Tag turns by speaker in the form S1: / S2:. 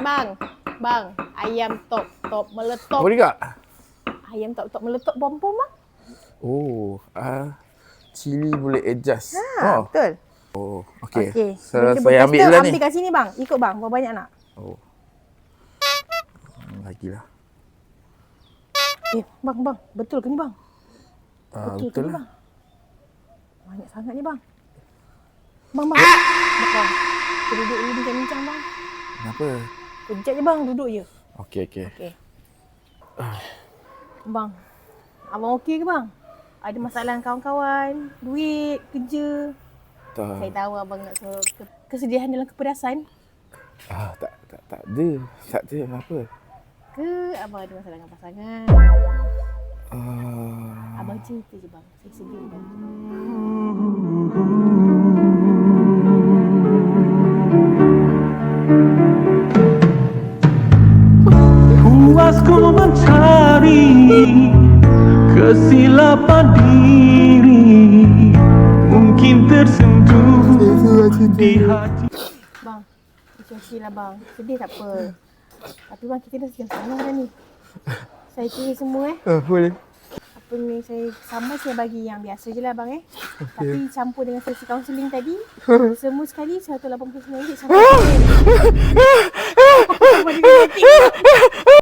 S1: bang. Bang, ayam top meletup.
S2: Apa juga?
S1: Ayam top meletup bom-bom bang.
S2: Oh, cili boleh adjust.
S1: Betul.
S2: Oh, okey.
S1: Okey.
S2: Saya ambil lah ni.
S1: Ambil kat sini bang. Ikut bang, berapa banyak nak?
S2: Oh. Lagilah.
S1: Bang, betul ke ni bang? Betul ke ni
S2: lah.
S1: bang? Banyak sangat ni bang. Bang. Bang. Kita duduk dulu bincang-bincang bang.
S2: Kenapa?
S1: Kejap je bang, duduk je.
S2: Okey.
S1: Bang, abang okey ke bang? Ada masalah dengan kawan-kawan, duit, kerja.
S2: Tak.
S1: Saya tahu abang nak suruh kesedihan dalam kepedasan.
S2: Tak ada. Tak ada apa.
S1: Ke abang ada masalah dengan pasangan? Abang cerita je bang, saya sedia bantu.
S3: Puasku mencari kesilapan diri, mungkin tersentuh di hati.
S1: Bang, lah bang. Sedih tak apa. Tapi bang, kita dah sejam setengah dah ni. Saya kira semua
S2: Boleh.
S1: Apa ni, saya sambal saya bagi yang biasa je lah bang Tapi campur dengan sesi kaunseling tadi, semua sekali RM189 sampai